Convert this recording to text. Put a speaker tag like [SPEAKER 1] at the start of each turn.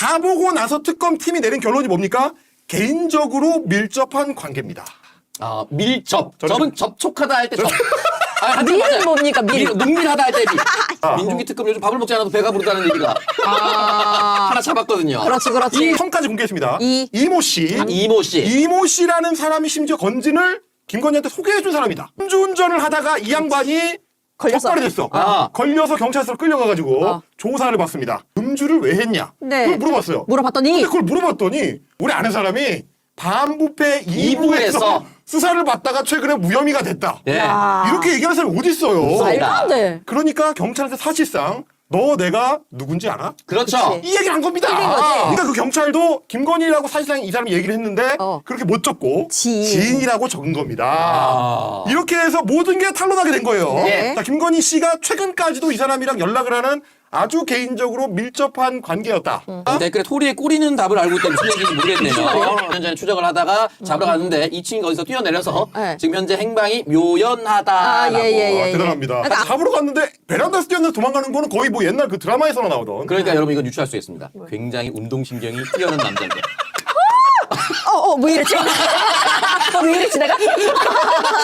[SPEAKER 1] 다 보고 나서 특검팀이 내린 결론이 뭡니까? 개인적으로 밀접한 관계입니다.
[SPEAKER 2] 아, 밀접. 접은 접촉하다 할 때 접. 아,
[SPEAKER 3] 밀은 뭡니까, 밀?
[SPEAKER 2] 농밀하다 할 때 밀. 민중기 특검 요즘 밥을 먹지 않아도 배가 부르다는 얘기가 하나 잡았거든요.
[SPEAKER 3] 그렇지, 그렇지.
[SPEAKER 1] 이 성까지 공개했습니다.
[SPEAKER 3] 이.
[SPEAKER 1] 이모 씨.
[SPEAKER 2] 이모 씨.
[SPEAKER 1] 이모 씨라는 사람이 심지어 건진을 김건희한테 소개해준 사람이다. 음주운전을 하다가 이 양반이
[SPEAKER 3] 걸렸어.
[SPEAKER 1] 적발이 됐어.
[SPEAKER 2] 아.
[SPEAKER 1] 걸려서 경찰서로 끌려가가지고
[SPEAKER 3] 어.
[SPEAKER 1] 조사를 받습니다. 음주를 왜 했냐?
[SPEAKER 3] 네.
[SPEAKER 1] 그걸 물어봤어요.
[SPEAKER 3] 물어봤더니
[SPEAKER 1] 근데 그걸 물어봤더니 우리 아는 사람이 반부패 2부에서
[SPEAKER 2] 2부에서
[SPEAKER 1] 수사를 받다가 최근에 무혐의가 됐다.
[SPEAKER 2] 예.
[SPEAKER 3] 야.
[SPEAKER 1] 이렇게 얘기하는 사람이 어디 있어요?
[SPEAKER 3] 말도 안 돼.
[SPEAKER 1] 그러니까 경찰한테 사실상 너 내가 누군지 알아?
[SPEAKER 2] 그렇죠.
[SPEAKER 3] 그치.
[SPEAKER 1] 이 얘기를 한 겁니다.
[SPEAKER 3] 틀린 거지.
[SPEAKER 1] 그러니까 그 경찰도 김건희라고 사실상 이 사람이 얘기를 했는데 그렇게 못 적고 지인이라고 적은 겁니다.
[SPEAKER 2] 아.
[SPEAKER 1] 이렇게 해서 모든 게 탄로나게 된 거예요.
[SPEAKER 3] 네.
[SPEAKER 1] 자, 김건희 씨가 최근까지도 이 사람이랑 연락을 하는 아주 개인적으로 밀접한 관계였다.
[SPEAKER 2] 댓글에 토리의 꼬리는 답을 알고 있다 무슨 얘기인지 모르겠네요. 1년 전에 추적을 하다가 잡으러 갔는데 2층이 거기서 뛰어내려서
[SPEAKER 3] 네.
[SPEAKER 2] 지금 현재 행방이 묘연하다라고.
[SPEAKER 3] 아, 예.
[SPEAKER 1] 대단합니다.
[SPEAKER 3] 그러니까
[SPEAKER 1] 잡으러 갔는데 베란다에서 뛰어내서 도망가는 거는 거의 뭐 옛날 그 드라마에서나 나오던.
[SPEAKER 2] 그러니까 여러분 이건 유추할 수 있습니다. 굉장히 운동신경이 뛰어난 남자인데.
[SPEAKER 3] 뭐 이랬지? 왜 이랬지 내가?